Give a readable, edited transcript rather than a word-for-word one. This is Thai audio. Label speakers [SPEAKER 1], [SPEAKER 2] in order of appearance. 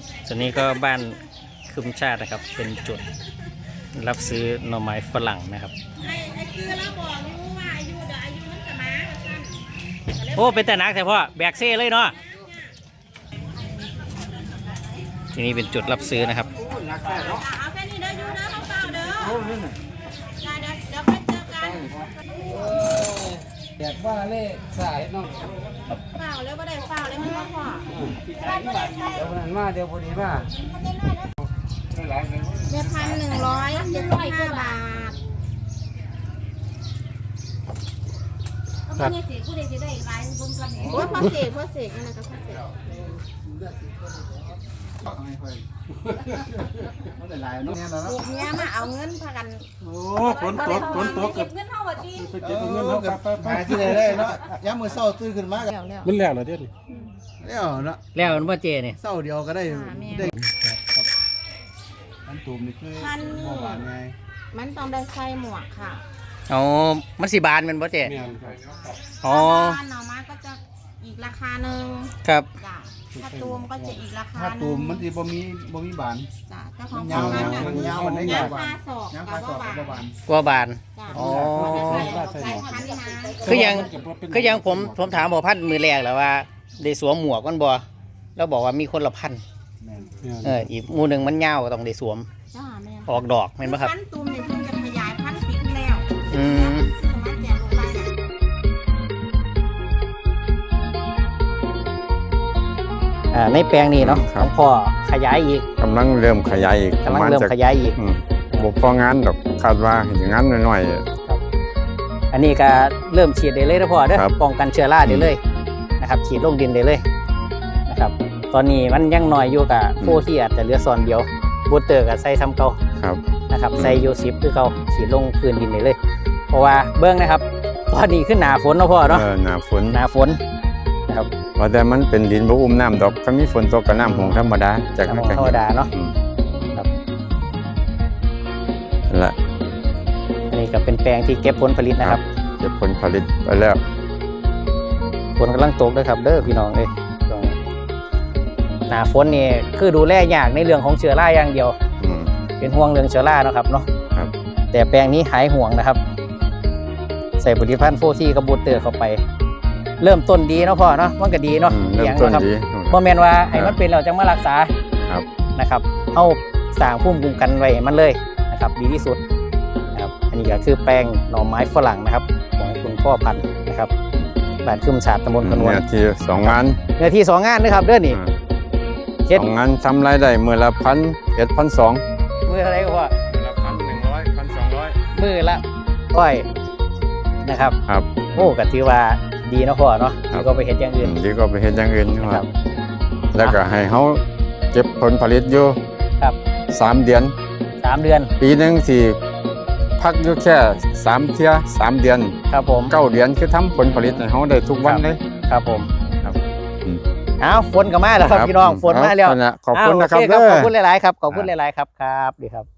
[SPEAKER 1] ส่วนนี้ก็บ้านคึมชาตินะครับเป็นจุดรับซื้อหน่อไม้ฝรั่งนะครับไอ้คือเราบอกอยู่ว่าอายุมันจะมาโอ้เป็นแต่นักแต่พ่อแบกเซ่เลยเนาะที่นี่เป็นจุดรับซื้อนะครับ
[SPEAKER 2] เอาแค่นี้เด้ออยู่เด้อเขาเปล่าเด้อเดี๋ยวไปเจอกัน
[SPEAKER 3] แดกว่าเล่สายน้อง
[SPEAKER 2] เปล่าแล้วก็ได้เปล่าแล้วมันก็พอ
[SPEAKER 3] เดี๋ยวนั้นมาเดี๋ยวพอดีมา
[SPEAKER 2] เดือน1,175 บาทนี่สิผู้ใดสิได้หลายบุญกันโอ้พ่อเสกนั่นแหละก็พ่อเสกเนี่ยมาเอาเงินพากัน
[SPEAKER 4] โอ้ฝนตก
[SPEAKER 2] เก็บเงินเท่าไหร่ดี
[SPEAKER 4] เก็บเงินเท่ากับหาที่ไหนได้เนาะย้ำมือเศร้าตื่นขึ้นมา
[SPEAKER 3] มันแล้วเหรอเดี๋ยวนี้
[SPEAKER 4] แล้วเนาะ
[SPEAKER 1] แล้วมันว่าเจเนี่ย
[SPEAKER 4] เศร้าเดียวก็ได้อันตูมนี่คือบ่บานไง
[SPEAKER 2] มันต้องได้ใส่หมวกค่ะ
[SPEAKER 1] อ๋อมันสีบานมันว่าเจอ๋อ
[SPEAKER 2] บ้านหน่อไม้ก็จะอีกราคาหนึ่ง
[SPEAKER 1] ครับ
[SPEAKER 2] ถ้าตูมก็จะอีกราคา
[SPEAKER 4] ถ้าตูมมันจะบ่มีบาน
[SPEAKER 2] จ้ะเจ้าของ
[SPEAKER 4] ยาวมันยาวมันได้ยาว
[SPEAKER 2] บานยาวศอก
[SPEAKER 4] กับบาน
[SPEAKER 1] กว่าบานอ๋อคือยังผมถามหมอพันมือแรกแล้วว่าได้สวมหมวกมันบ่แล้วบอกว่ามีคนละพันอีกหมู่หนึ่งมันยาวต้องได้สวมออกดอกเห็นไหมครับ
[SPEAKER 2] พันตูมเนี่ยเพิ่งจะขยายพันธุ์ปีที่แล้ว
[SPEAKER 1] ในแปลงนี้เนาะของพ่อขยายอีก
[SPEAKER 5] กำลังเริ่มขยายอีกบุพองานดอกคาดว่าอย่างนั้นหน่อย
[SPEAKER 1] ๆอันนี้ก็เริ่มฉีดได้เลยนะพ่อเด้อป้องกันเชื้อราได้เลยนะครับฉีดลงดินได้เลยนะครับตอนนี้มันยังน้อยอยู่กับโฟที่อาจจะเหลือซอนเดียวบูเตอร์กับใส่ซ้ำเก่านะครับใส่ยูซิปคือเก่าฉีดลงพื้นดินได้เลยเพราะว่าเบื้องนะครับตอนนี้ขึ้นหนาฝนนะพ่อเนาะ
[SPEAKER 5] หนาฝน
[SPEAKER 1] นะครับ
[SPEAKER 5] ว่าแต่มันเป็นดินบ่อุ้มน้ำดอกก็มีฝนตกกับน้ำหงธรรมดาจากนั้น
[SPEAKER 1] ธรรมดาเนาะครับ
[SPEAKER 5] ละ
[SPEAKER 1] อันนี้ก็เป็นแปลงที่เก็บผลผลิตนะครับ
[SPEAKER 5] เก็บผลผลิตไปแล้ว
[SPEAKER 1] ฝนกำลังตกด้วยครับเด้อพี่น้องเลยหนาฝนนี่คือดูแลยากในเรื่องของเชื้อราอย่างเดียวเป็นห่วงเรื่องเชื้อราเนาะครับเนาะแต่แปลงนี้หายห่วงนะครับใส่ผลิตภัณฑ์โฟที่กับบูเตอร์เข้าไปเริ่มต้นดีเนาะพ่อเนาะมันก็ดีเนาะ
[SPEAKER 5] เริ่มต้นดี
[SPEAKER 1] เพราะแมนว่าไอ้มันเป็นเราจะมารักษานะครับเอาสร้างภูมิคุ้มกันไว้มันเลยนะครับดีที่สุดนะครับอันนี้ก็คือแปลงหน่อไม้ฝรั่งนะครับของคุณพ่อพันธุ์นะครับบ้านคึมชาติตำบลขนวน
[SPEAKER 5] เนื้อที่2 งาน
[SPEAKER 1] นะครับเด้อนี่
[SPEAKER 5] 2 งานทำรายได้มื้อละ1,000 1,200
[SPEAKER 1] มื้ออะไรก็ว่า
[SPEAKER 5] 1,100 1,200
[SPEAKER 1] มื้อละนะครับโอ้ก็ถือว่าดีเนาะพ่อเนาะดีก็ไปเฮ็ดอย่างอื่น
[SPEAKER 5] ครับแล้วก็ให้เขาเก็บผลผลิตอยู่3 เดือนปีนึงสิพักอยู่แค่3 เที่ย3 เดือน
[SPEAKER 1] ครับผม
[SPEAKER 5] 9 เดือนคือทำผลผลิตให้เขาได้ทุกวันเลย
[SPEAKER 1] ครับผมอ้าวฝนก็มาแล้วครับพี่น้องฝนมาแล้ว
[SPEAKER 5] ขอบคุณนะครับ
[SPEAKER 1] ขอบคุณหลายๆครับขอบคุณหลายๆครับดีครับ